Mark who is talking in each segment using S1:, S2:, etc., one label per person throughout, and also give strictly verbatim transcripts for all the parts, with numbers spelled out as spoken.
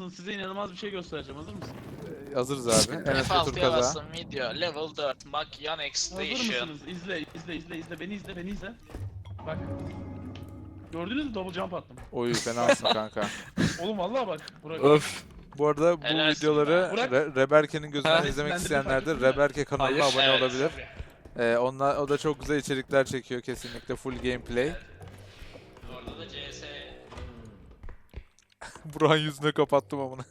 S1: mısın? Size inanılmaz bir şey göstereceğim. Hazır mısın?
S2: Ee, hazırız abi. Enes
S3: F
S2: Batur
S3: altıya
S2: kaza.
S3: bastım video. Level dört. Mak yan
S1: Hazır
S3: extension.
S1: mısınız? İzle, izle, izle, izle. Beni izle, beni izle. Bak. Gördünüz mü? Double jump attım.
S2: Oy fenasın kanka.
S1: Oğlum vallahi bak. Burak.
S4: Öf.
S2: Bu arada bu
S3: Helalsin
S2: videoları
S1: be. Burak-
S2: Re- Reberke'nin gözünden
S4: Ha?
S2: izlemek
S1: Ben de
S2: isteyenler de
S1: fark ettim de.
S2: Reberke kanalına
S4: Hayır.
S2: abone
S3: Evet.
S2: olabilir. Ee, onlar, o da çok güzel içerikler çekiyor kesinlikle. Full gameplay.
S3: Orada da C S.
S2: Burak'ın yüzüne kapattım amına.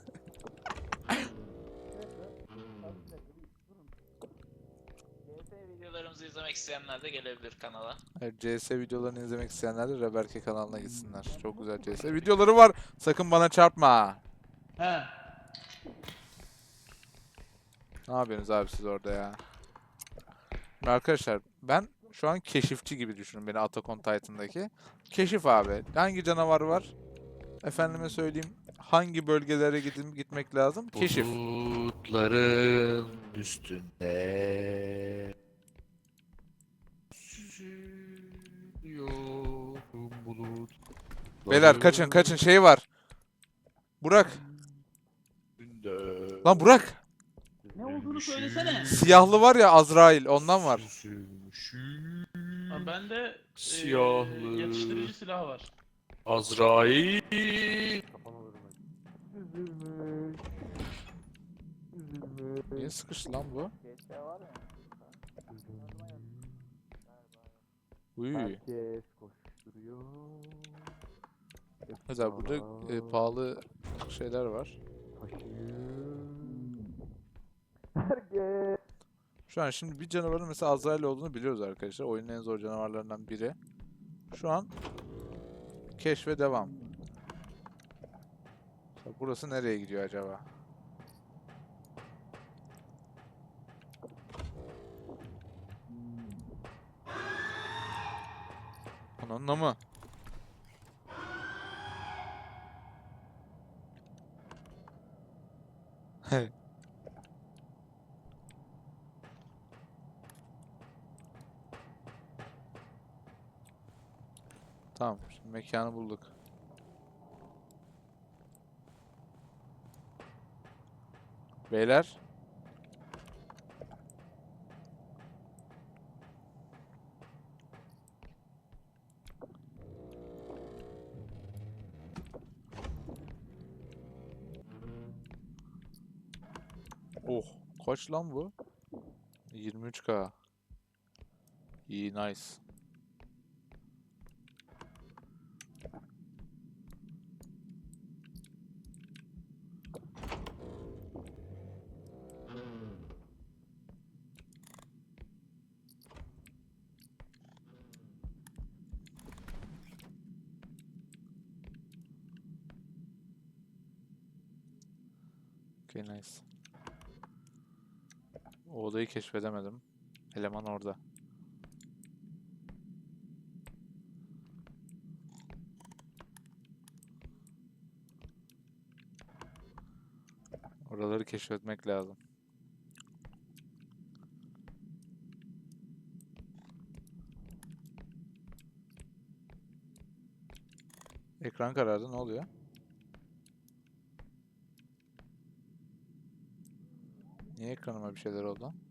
S3: C S videolarımızı izlemek isteyenler de gelebilir kanala.
S2: Evet, C S videolarını izlemek isteyenler de Reberke kanalına gitsinler. Çok güzel C S videoları var. Sakın bana çarpma.
S1: He.
S2: Ne yapıyorsunuz abi siz orada ya? Şimdi arkadaşlar ben şu an keşifçi gibi düşünün beni Attack on Titan'daki. Keşif abi. Hangi canavar var? Efendime söyleyeyim. Hangi bölgelere gidip gitmek lazım? Keşif.
S4: Bulutların üstünde süzülüyorum bulut.
S2: Beyler kaçın kaçın şey var. Burak. Lan Burak.
S1: Ne olduğunu söylesene.
S2: Siyahlı var ya Azrail ondan var.
S1: Ha, bende
S4: Siyahlı.
S1: eee, yatıştırıcı silah var.
S4: Azrail.
S2: Niye sıkıştı lan bu? Uy.
S5: Herkes koşturuyor.
S2: Mesela burada e, pahalı şeyler var.
S5: Herkes.
S2: Şu an şimdi bir canavarın mesela Azrail olduğunu biliyoruz arkadaşlar. Oyunun en zor canavarlarından biri. Şu an keşfe devam. Mesela burası nereye gidiyor acaba? Onunla mı? Tamam, şimdi mekanı bulduk. Beyler. Oh, kaç lan bu? yirmi üç K. İyi, nice. Okay, nice. O odayı keşfedemedim. Eleman orada. Oraları keşfetmek lazım. Ekran karardı, ne oluyor? Niye ekranıma bir şeyler oldu lan?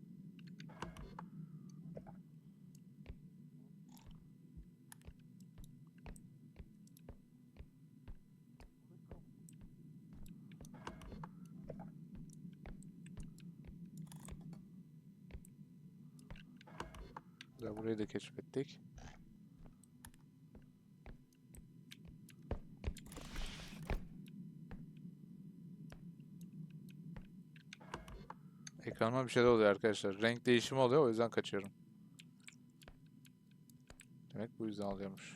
S2: Güzel, burayı da keşfettik. Ekranıma bir şeyler oluyor arkadaşlar. Renk değişimi oluyor, o yüzden kaçıyorum. Demek bu yüzden oluyormuş.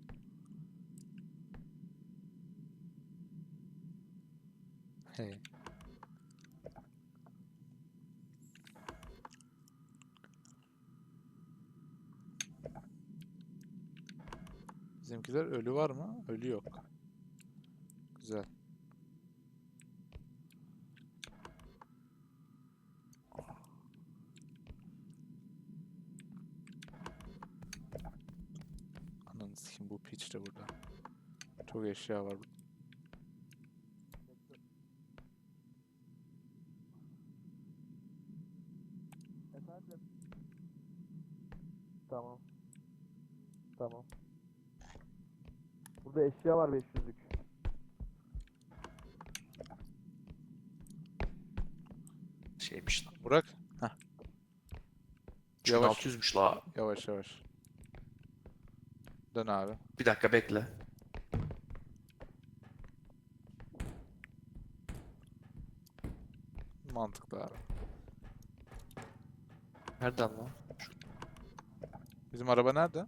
S2: Hey. Bizimkiler ölü var mı? Ölü yok. Güzel. Ananı sikeyim, bu piç de burada. Çok eşya var.
S5: Tamam. Tamam. Burada eşya var beş yüzlük.
S4: Şeymiş lan.
S2: Burak. Heh. Yavaş.
S4: altı yüzmüş la.
S2: Yavaş yavaş. Dön abi.
S4: Bir dakika bekle.
S2: Mantıklı abi.
S4: Nereden lan?
S2: Bizim araba nerede?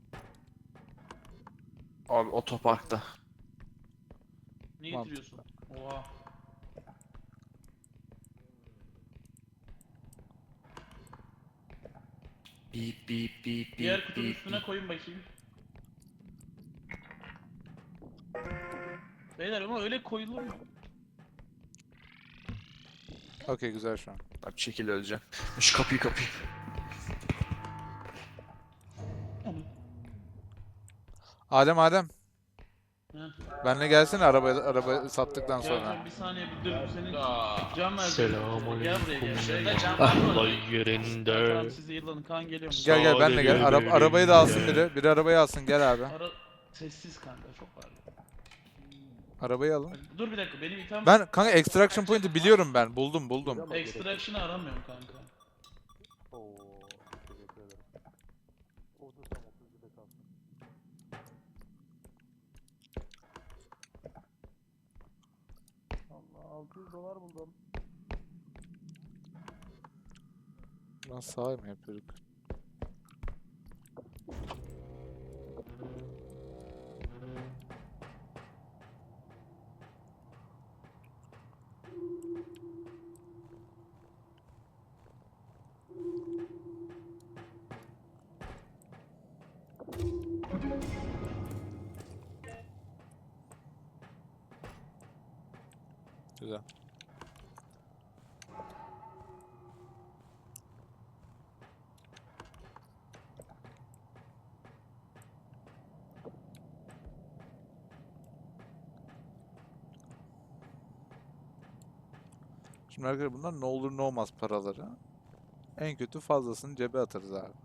S4: Abi otoparkta.
S1: Ne
S2: Mantıklı.
S1: getiriyorsun? Oha.
S4: Bip bip bip
S1: Diğer
S4: bip
S1: kutunun
S4: bip
S1: üstüne
S4: bip.
S1: koyun bakayım. Beyler ama öyle koyulur mu?
S2: Okey güzel şu an.
S4: Abi çekil öleceğim. Şu kapıyı kapıyı.
S2: Adem Adem.
S1: Heh.
S2: Benle gelsene araba araba sattıktan
S1: Gel
S2: sonra.
S1: gel bir saniye bir dur senin
S3: Aa,
S1: can ver.
S4: Selamünaleyküm.
S1: Gel buraya gel.
S3: Şurada cam
S1: Ah,
S3: var mı?
S1: Allah.
S4: Olay
S1: Tamam
S4: yerinde.
S1: siz yıllanın Kaan geliyor mu?
S2: Gel gel benle gel. Ara, arabayı da alsın biri. Biri arabayı alsın gel abi.
S1: Ara sessiz kanka çok var.
S2: Arabayı alın.
S1: Dur bir dakika benim itham
S2: Ben kanka extraction point'i biliyorum ben. Buldum buldum.
S1: extraction'ı aramıyorum kanka.
S5: Oo, teşekkür ederim. Otuz tam otuz bir de kalsın. Allah altı yüz dolar buldum.
S2: Lan sağ mı yapıyorduk? Güzel. Şimdi arkadaşlar bunlar ne olur ne olmaz paraları. En kötü fazlasını cebe atarız abi.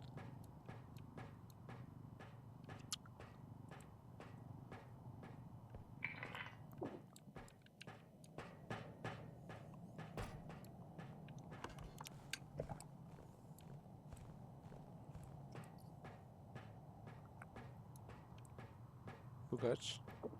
S2: Bu kaç?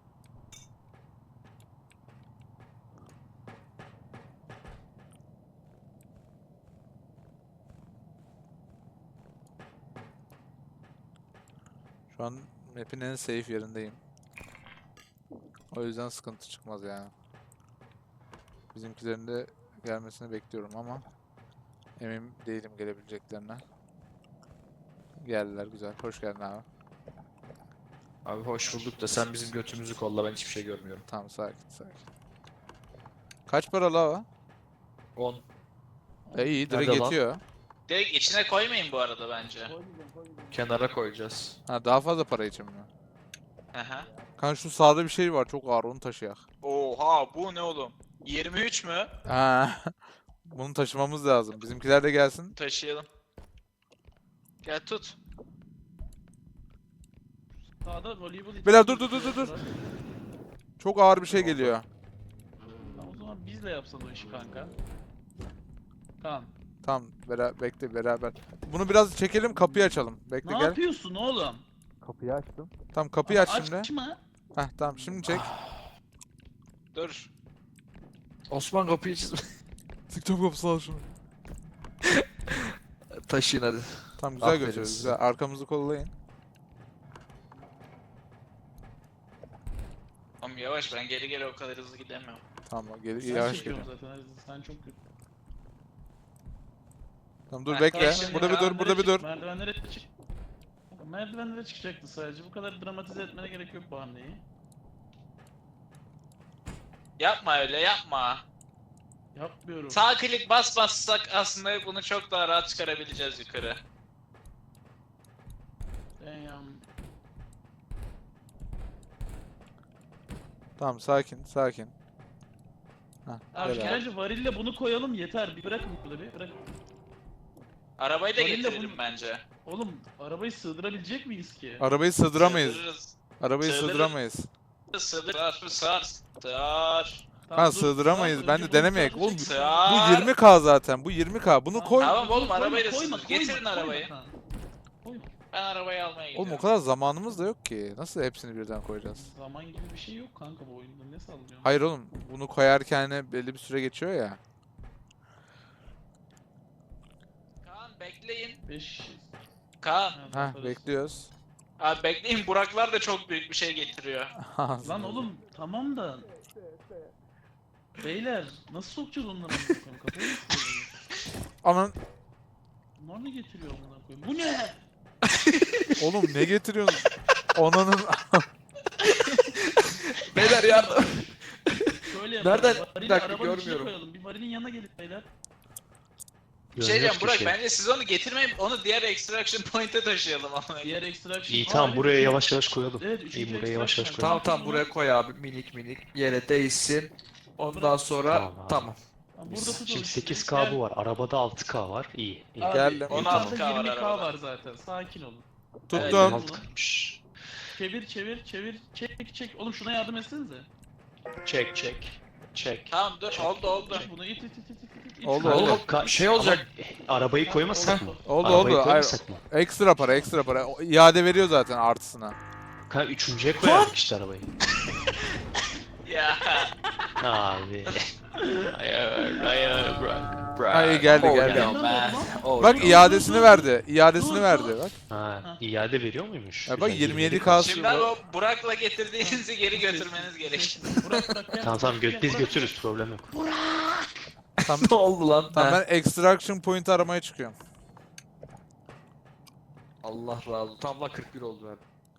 S2: Şu an map'in en safe yerindeyim. O yüzden sıkıntı çıkmaz yani. Bizimkilerin de gelmesini bekliyorum ama emin değilim gelebileceklerine. Geldiler güzel. Hoş geldin abi.
S4: Abi hoş bulduk da sen bizim götümüzü kolla, ben hiçbir şey görmüyorum.
S2: Tamam sakin sakin. Kaç para la o?
S4: on.
S2: E iyi direkt
S4: Nerede lan?
S2: yetiyor.
S3: Direkt içine koymayın bu arada bence.
S4: Kenara koyacağız.
S2: Ha daha fazla para için mi?
S3: Aha.
S2: Kanka şu sağda bir şey var çok ağır onu taşıyak.
S3: Oha bu ne oğlum? yirmi üç mü?
S2: Ha. Bunu taşımamız lazım. Bizimkiler de gelsin.
S3: Taşıyalım. Gel tut.
S1: Sağda voleybol için.
S2: Beyler dur dur dur dur dur. Çok ağır bir şey geliyor.
S1: Tamam, o zaman bizle yapsan o işi kanka. Tamam.
S2: Tamam bera bekle beraber. Bunu biraz çekelim kapıyı açalım. Bekle
S1: Ne
S2: gel.
S1: yapıyorsun oğlum?
S5: Kapıyı açtım.
S2: Tamam kapıyı aç şimdi.
S1: Açma.
S2: Heh tamam şimdi çek.
S3: Dur.
S4: Osman kapıyı çiz.
S2: TikTok kapısı al şunu.
S4: Taşıyın hadi.
S2: Tamam güzel
S4: Aferin
S2: götürüyoruz.
S4: size.
S2: Güzel. Arkamızı kollayın.
S3: Oğlum yavaş, ben geri geri o kadar hızlı gidemiyorum.
S2: Tamam gel
S1: Sen
S2: yavaş
S1: çekiyorsun
S2: gelin.
S1: zaten. Sen çok kötü.
S2: Tamam dur
S3: Heh,
S2: bekle.
S3: tamam, şimdi
S2: Burada bir dur,
S1: Merdivenlere
S2: burada bir
S1: çık,
S2: dur.
S1: Merdivenlere çık. Merdivenlere çıkacaktı sadece. Bu kadar dramatize etmene gerek yok bu hamleyi.
S3: Yapma öyle, yapma.
S1: Yapmıyorum.
S3: Sağ klik bas bassak aslında bunu çok daha rahat çıkarabileceğiz yukarı.
S1: Damn.
S2: Tamam sakin sakin. Heh,
S1: Abi
S2: gel abi.
S1: bence varille bunu koyalım yeter. Bir bırakın burada bir. Bırakın.
S3: Arabayı da
S1: Varille
S3: getirelim
S1: bunu-
S3: bence.
S1: Oğlum arabayı sığdırabilecek miyiz ki?
S2: Arabayı sığdıramayız.
S3: Sığdırırız.
S2: Arabayı
S3: Sığdırırız.
S2: sığdıramayız.
S3: Sığdır, sığır, sığır, sığır.
S1: Tamam,
S2: Ha
S1: dur,
S2: sığdıramayız.
S1: tamam,
S2: Ben
S1: önce
S2: de
S1: bunu
S2: denemeyek.
S1: sadece
S2: Oğlum
S1: çek-
S3: Sığır.
S2: bu yirmi K zaten. Bu yirmi K. Bunu koy.
S3: Tamam oğlum,
S1: Koyma,
S3: arabayı da
S1: koyma,
S3: sığdır.
S1: koyma,
S3: Getirin
S1: koyma,
S3: arabayı.
S1: koyma. Koyma.
S3: Ben arabayı almaya gidiyorum.
S2: Oğlum o kadar zamanımız da yok ki. Nasıl hepsini birden koyacağız?
S1: Zaman gibi bir şey yok kanka bu oyunda. Ne sallıyorsun?
S2: Hayır oğlum. Bunu koyarken hani belli bir süre geçiyor ya.
S3: Kaan bekleyin.
S1: beş
S3: Kaan.
S2: Ha bekliyoruz.
S3: Abi bekleyin, Buraklar da çok büyük bir şey getiriyor.
S1: Lan oğlum tamam da. Beyler nasıl sokacağız onları amına koyayım? Kafayı mı sıyırdınız?
S2: Aman
S1: Bunlar ne getiriyor amına koyayım? Bu ne?
S2: oğlum ne getiriyorsun? Onanın
S4: Beyler yardım.
S1: Şöyle yapalım.
S4: Nereden?
S1: Varili
S4: Bir dakika,
S1: arabanın içine
S4: görmüyorum.
S1: koyalım. Bir varilin yanına gelin beyler.
S3: Bir şey diyeceğim Burak,
S5: şey.
S3: bence siz onu getirmeyin, onu diğer extraction point'e taşıyalım ama.
S1: Diğer extraction.
S5: İyi
S1: Aa,
S5: tamam
S1: evet,
S5: buraya
S1: üçüncü-
S5: yavaş yavaş koyalım.
S1: Evet,
S5: İyi
S1: üçüncü
S5: buraya yavaş yavaş
S1: extraction.
S5: koyalım.
S4: Tamam tamam buraya koy abi, minik minik yere değsin. Ondan sonra
S5: Tamam abi.
S4: tamam.
S1: Tamam, burada tutalım.
S5: Şimdi sekiz
S1: Gel.
S5: K bu var. Arabada altı K var. İyi. iyi.
S1: Abi,
S2: Geldim.
S1: yukarıda
S3: on altı K var
S1: yirmi K
S3: arabada.
S1: var zaten. Sakin olun.
S2: tuttum.
S1: Evet,
S5: Altı K'ymış.
S1: Çevir çevir çevir. Çek çek. Oğlum şuna yardım etsenize.
S5: Çek çek. Çek.
S3: Tamam dur, oldu oldu.
S1: İt bunu it it it it it. it.
S2: Oldu,
S1: şunu.
S2: oldu.
S5: Oğlum, ka-
S4: Şey olacak.
S5: Ama arabayı koymasak mı?
S2: Oldu
S5: Arabayı
S2: oldu. Hayır,
S5: koymasak mı?
S2: ekstra para ekstra para. O İade veriyor zaten artısına.
S5: Ka üçüncüye koyardık işte arabayı.
S3: Ya.
S5: Abi. Hayır hayır bırak.
S2: Ha iyi geldi
S4: Oh,
S2: geldi.
S4: no, man. Oh,
S2: Bak
S4: no.
S2: iadesini verdi. İadesini verdi bak.
S5: Ha, iade veriyor muymuş?
S2: Ya bak,
S5: Güzel,
S2: yirmi yedi K
S5: K.
S3: Şimdi abi o Burak'la getirdiğinizi geri götürmeniz gerek.
S1: Burak Burak gel.
S5: Tamam tamam gö
S1: Gel,
S5: biz
S1: Burak.
S5: götürürüz problem yok.
S2: Tamam,
S4: Ne oldu lan?
S2: tamam
S4: Ha.
S2: ben extraction point aramaya çıkıyorum.
S4: Allah razı olsun. Tam la kırk bir oldu ben.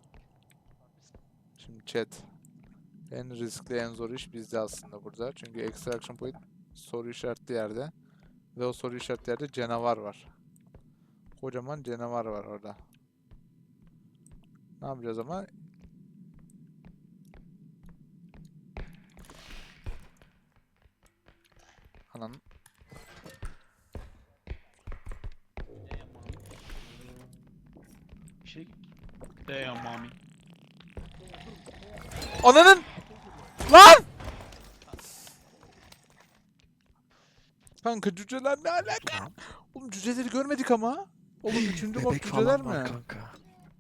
S2: Şimdi chat. En riskli en zor iş bizde aslında burada. Çünkü extraction point soru işaretli yerde. Ve o soru işaretli yerde canavar var. Kocaman canavar var orada. Ne yapacağız ama? Ananın.
S1: Bir şey. Damn mami.
S2: Ananın! Lan! Kanka cüceler ne alaka? Oğlum cüceleri görmedik ama. Oğlum üçüncü mod
S4: Bebek
S2: cüceler
S4: falan var
S2: mi?
S4: kanka.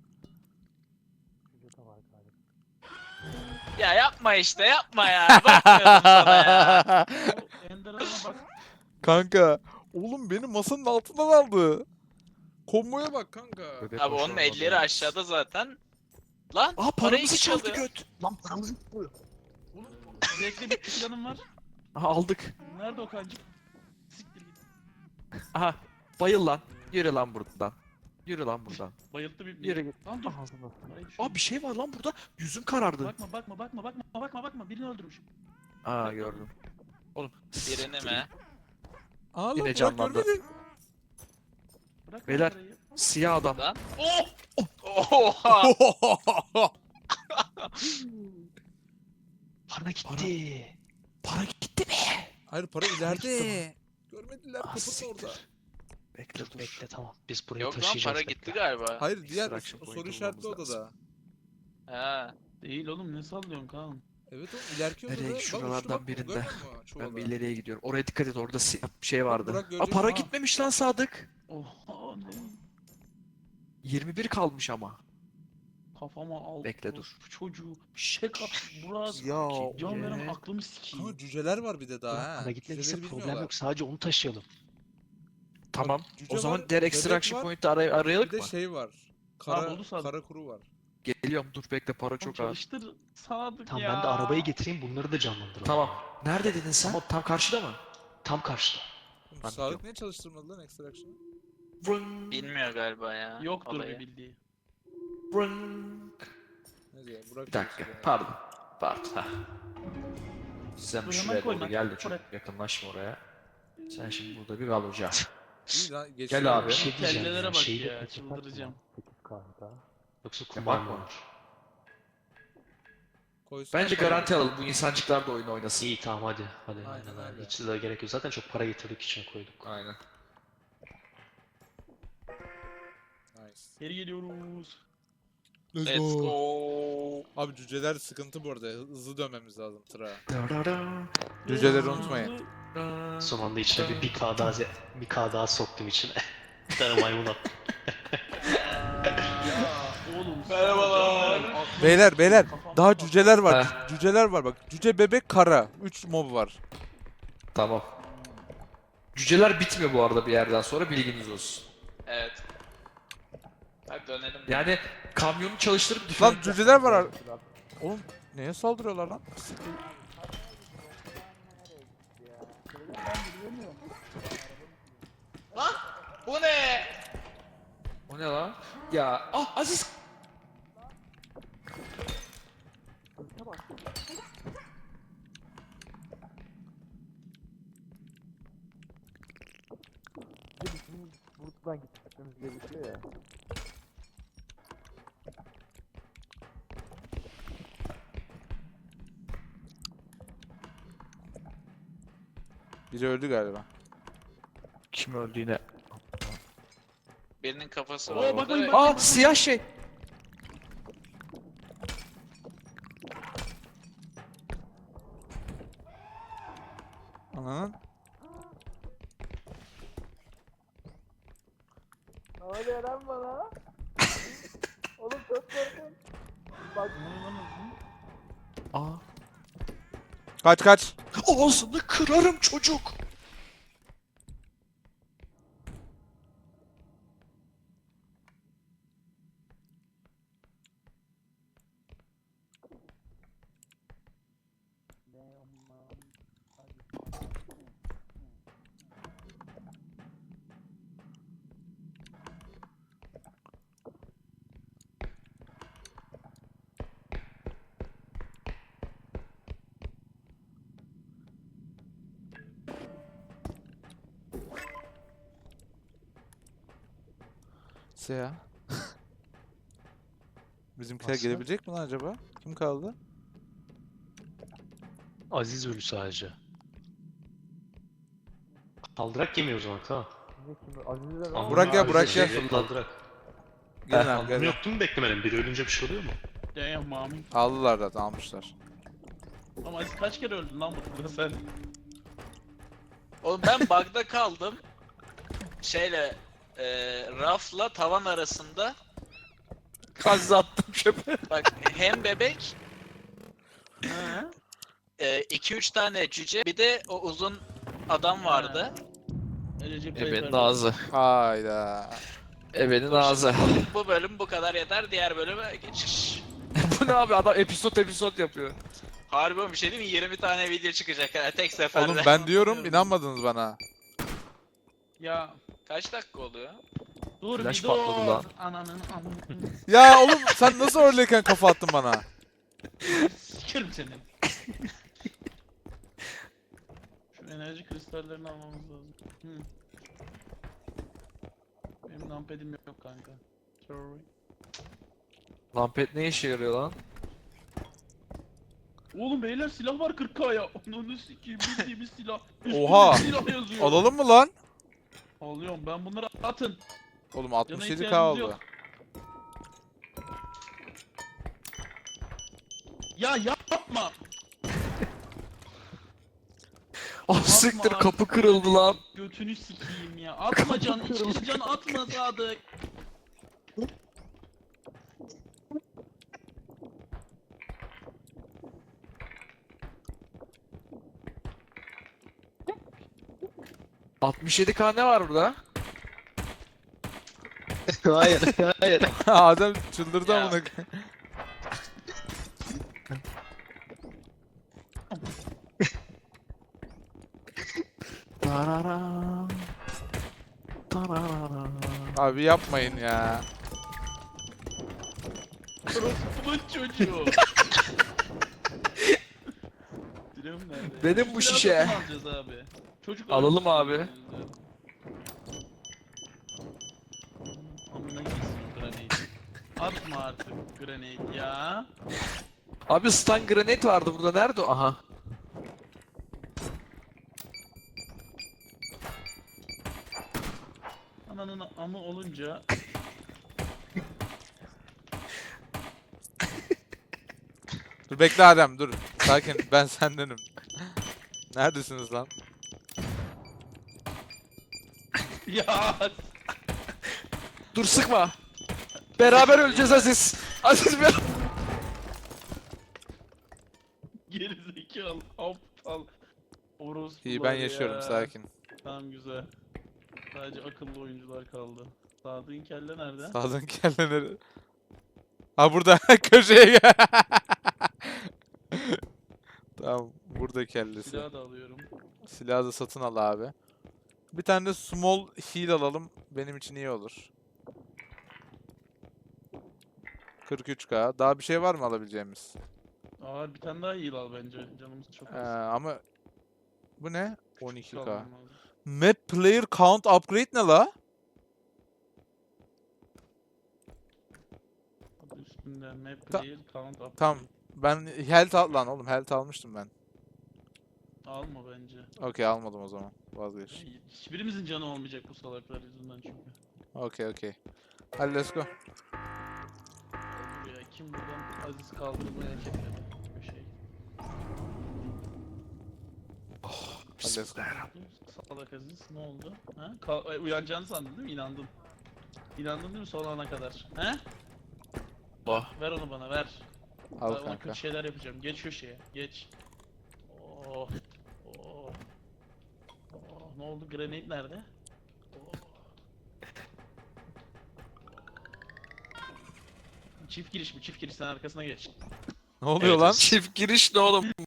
S3: Ya yapma işte, yapma ya. Bakmıyordum sana ya.
S1: O Ender Hanım'a bak.
S2: Kanka. Oğlum beni masanın altından aldı. Komboya bak kanka.
S4: Bebek
S3: Abi
S4: hoş
S3: onun
S4: olmadı
S3: elleri
S4: ya.
S3: aşağıda zaten. Lan
S4: Aa
S3: parayı
S4: paramızı çaldı
S3: çalıyor.
S4: göt. Lan paramızı çalıyor.
S1: Oğlum zevkli bir planım var.
S4: Aha aldık.
S1: Nerede o kancık? Siktir git.
S4: Aha bayıl lan. Yürü lan buradan. Yürü lan buradan.
S1: Bayılttı bir.
S4: Yürü git.
S1: Lan dur.
S4: Ağzına.
S1: Parayı düşürdüm.
S4: Aa bir şey var lan burada. Yüzüm karardı.
S1: Bakma bakma bakma bakma bakma bakma birini öldürmüş.
S4: Aa gördüm. Oğlum.
S3: Birini mi?
S2: Aa lan
S4: Yine
S2: Burak
S4: canlandı.
S2: görmedin.
S1: Bırak lan
S4: Beyler.
S1: parayı.
S4: Siyah adam.
S3: Lan. Oh! Oha!
S5: Para gitti.
S4: Para gitti mi?
S2: Hayır para ileride. Görmediler
S4: Ah,
S2: kapının
S4: siktir.
S2: orada.
S4: Bekle dur.
S5: Bekle tamam. Biz burayı
S3: Yok lan,
S5: taşıyacağız.
S3: para
S5: bekle.
S3: gitti galiba.
S2: Hayır diğer
S4: Extraction
S2: o
S4: point
S2: soru işaretli
S4: bulmamız
S2: odada.
S3: Ha.
S1: Değil oğlum ne sallıyorsun Kaan?
S2: Evet oğlum ileriki
S4: Nereye?
S2: odada. Bak,
S4: Şuralardan
S2: uçtu bak,
S4: birinde.
S2: görmüyor musun? Şu
S4: Ben
S2: oda.
S4: bir ileriye gidiyorum. Oraya dikkat et, orada siyah bir şey vardı.
S2: Burak
S4: Aa
S2: görecek
S4: para
S2: ha.
S4: gitmemiş lan Sadık.
S1: Oha ne?
S4: yirmi bir kalmış ama.
S1: Kafama al.
S4: Bekle, dur.
S1: Bu çocuğu. Şek at. Burak.
S2: Ya
S1: Can veren
S4: Ee?
S1: aklımı sikeyim.
S2: Ama cüceler var bir de daha
S5: Burak,
S2: ha.
S5: para gitmediyse
S2: Cüceleri
S5: problem
S2: bilmiyorlar.
S5: yok. Sadece onu taşıyalım.
S4: Tamam.
S2: cüce
S4: O zaman
S2: var,
S4: diğer
S2: bebek
S4: extraction
S2: var,
S4: point'i aray arayalım
S2: Bir de
S4: mı?
S2: şey var.
S1: Ha,
S2: Kara,
S1: buldu Sadık.
S2: kara kuru var.
S4: Geliyorum, dur bekle, para
S1: Oğlum
S4: çok az.
S1: çalıştır Sadık
S5: Tamam
S1: ya.
S5: ben de arabayı getireyim bunları da canlandıralım.
S4: Tamam. Nerede dedin sen? Tam karşıda mı?
S5: Tam karşıda.
S2: Oğlum,
S4: Ben
S2: Sadık
S4: biliyorum.
S2: niye çalıştırmadı lan extraction'ı?
S4: Vrın,
S3: Bilmiyor galiba ya.
S1: Yoktur
S3: olayı.
S1: bir bildiği.
S4: vrın.
S2: Neyse Burak
S4: Bir dakika,
S2: çalıştırıyor.
S4: pardon. Pardon. ha. Sen
S1: Dur,
S4: bir
S1: hemen
S4: şuraya
S1: koyma.
S4: doğru gel de çok
S1: Bırak.
S4: yakınlaşma oraya. Sen şimdi burada bir kal hocam.
S2: İyi lan,
S4: Gel
S2: geçiyor.
S4: abi.
S5: Bir şey diyeceğim
S1: Kellelere
S5: ya.
S1: bak
S5: Şeyi de
S1: ya,
S5: kaçırsak mı?
S1: çıldıracağım.
S5: sekiz K'da. Yoksa
S4: Ya
S5: kumar mı
S4: bakma.
S5: olur?
S2: Koysun.
S4: Bence garanti alalım, bu insancıklar da oyun oynasın.
S5: İyi tamam hadi. Hadi
S2: Aynen
S5: aynen, aynen.
S2: öyle.
S5: Hiç de gerek yok. Zaten çok para getirdik içine koyduk.
S4: Aynen.
S1: Geri geliyoruz.
S3: Let's go.
S2: Abi cüceler sıkıntı bu arada. Hızlı dönmemiz lazım tıra.
S4: Darara,
S2: Cüceleri unutmayın.
S4: darara.
S5: Son anda içine bir bir K daha, ze- bir K daha soktum içine. Bir tane maymun attım.
S1: Ya oğlum.
S3: Merhabalar.
S1: Aklım-
S2: Beyler beyler
S1: Kafam-
S2: daha cüceler var.
S4: Heh.
S2: Cüceler var bak. Cüce bebek kara. üç mob var.
S4: Tamam. Cüceler bitmiyor bu arada bir yerden sonra, bilginiz olsun.
S3: Evet. Hadi dönelim.
S4: Yani kamyonu çalıştırıp
S2: Lan cüceler var. ar- Oğlum neye saldırıyorlar lan?
S3: Lan bu ne?
S4: O ne lan? Ya ah Aziz.
S5: Bizim buradan gitmemiz gerekiyor ya.
S2: Biri öldü galiba.
S4: Kim öldü yine?
S3: Birinin kafası
S1: Oo,
S3: var
S1: bak,
S3: orada.
S1: bak,
S3: ve-
S1: bak.
S4: Aa siyah şey.
S2: Ananın.
S5: Ne oluyor lan bana? Oğlum çok korkunç. Bak.
S4: Aa.
S2: Kaç kaç.
S4: Ağzını kırarım çocuk.
S2: Seya. Bizimkiler
S4: Nasıl?
S2: gelebilecek mi lan acaba? Kim kaldı?
S5: Aziz ölü sadece. Kaldırak yemiyor o zaman tamam.
S2: Burak gel, Burak gel.
S5: Şey, kaldırak.
S2: Gelin abi
S5: Aldım
S2: gelin.
S5: yoktu mu beklemedim? Biri ölünce bir şey oluyor mu?
S1: Damn mami.
S2: Aldılar zaten almışlar.
S1: Ama Aziz kaç kere öldün lan burada sen?
S3: Oğlum ben bug'da kaldım. Şeyle e, rafla tavan arasında.
S4: Aziz attım çöpe.
S3: Bak hem bebek iki üç tane cüce bir de o uzun adam vardı.
S1: Recep
S4: Ebenin
S1: Tayyip
S4: ağzı.
S2: Hayda.
S4: Ebenin ağzı.
S3: Bu bölüm bu kadar yeter, diğer bölüme geçiş.
S4: Bu ne abi, adam episod episod yapıyor.
S3: Harbi bir şey değil mi? yirmi tane video çıkacak ha tek seferde.
S2: Oğlum ben diyorum inanmadınız bana.
S1: Ya
S3: Kaç dakika oluyor?
S1: dur
S4: Flash
S1: bir
S4: patladı
S1: dur.
S4: lan.
S1: Ananın amını.
S2: Ya oğlum sen nasıl öyleyken kafa attın bana?
S1: Sikerim seni. Şu enerji kristallerini almamız lazım. Hı. Benim numpad'im yok kanka. Sorry.
S4: Lampet ne işe yarıyor lan?
S1: Oğlum beyler silah var kırk K'ya. Onu sikeyim bildiğimiz silah. Üstünde
S2: Oha!
S1: silah yazıyor.
S2: Alalım mı lan?
S1: Alıyorum ben bunları atın.
S2: Oğlum altmış yedi K
S1: ihtiyacımız
S2: oldu.
S1: yok. Ya yapma.
S4: Ah siktir,
S1: abi.
S4: kapı kırıldı lan.
S1: Götünü sikeyim ya. Atma can. İçine can atma Sadık.
S4: altmış yedi K ne var burada?
S5: hayır, hayır.
S2: Adam çıldırdı
S3: Ya.
S2: amına.
S4: Tarara. Tarara.
S2: Abi yapmayın ya.
S1: Orospu'nun çocuğu. Dilim nerede?
S4: Benim bu
S1: Şu
S4: şişe.
S1: silahı nasıl alacağız abi? Çocuk
S4: Alalım
S1: öldü.
S4: abi.
S1: Amına gitsin grenade. Atma artık grenade ya.
S4: Abi stun grenade vardı burada, nerede o? Aha.
S1: Ananın amı olunca
S2: Dur bekle Adem dur. Sakin ben sendenim. Neredesiniz lan?
S1: Ya
S4: Dur sıkma. Beraber öleceğiz Aziz. Aziz bir...
S1: gerizekalı aptal. Orospular
S2: İyi ben yaşıyorum
S1: ya.
S2: sakin.
S1: Tamam güzel. Sadece akıllı oyuncular kaldı. Sadık'ın kelle nerede?
S2: Sağdan kelleleri. Ha burada köşeye gel. Tamam burada kellesi.
S1: Silahı da alıyorum.
S2: Silahı da satın al abi. Bir tane de small heal alalım. Benim için iyi olur. kırk üç K. Daha bir şey var mı alabileceğimiz?
S1: Aa bir tane daha heal al bence. Canımız çok
S2: Ee,
S1: az.
S2: ama bu ne?
S1: Küçük
S2: on iki K.
S1: almam lazım.
S2: Map player count upgrade ne la?
S1: Adı üstünde map
S2: Ta-
S1: player count up.
S2: Tamam. Ben health al lan oğlum health almıştım ben.
S1: Alma bence.
S2: Okey almadım o zaman. Vazgeç.
S1: Hiçbirimizin canı olmayacak bu salaklar yüzünden çünkü.
S2: Okey okey. Hadi let's go.
S1: Buraya kim buradan Aziz kaldırmayı hak etmedi. Bir şey.
S2: Hadi let's go.
S1: Salak Aziz ne oldu? Ha? Ka- Ay, uyanacağını sandın değil mi? İnandın. İnandın değil mi son ana kadar? He?
S3: Oh.
S1: Ver onu bana ver.
S2: Al
S1: Ben ona
S2: kanka.
S1: kötü şeyler yapacağım. Geç köşeye. Geç. Oh. Oh. Oh. Ne oldu? Grenade nerede? Oh. Çift giriş mi? Çift giriş sen arkasına geç.
S2: Ne oluyor
S3: Evet,
S2: lan?
S4: Çift giriş ne oğlum?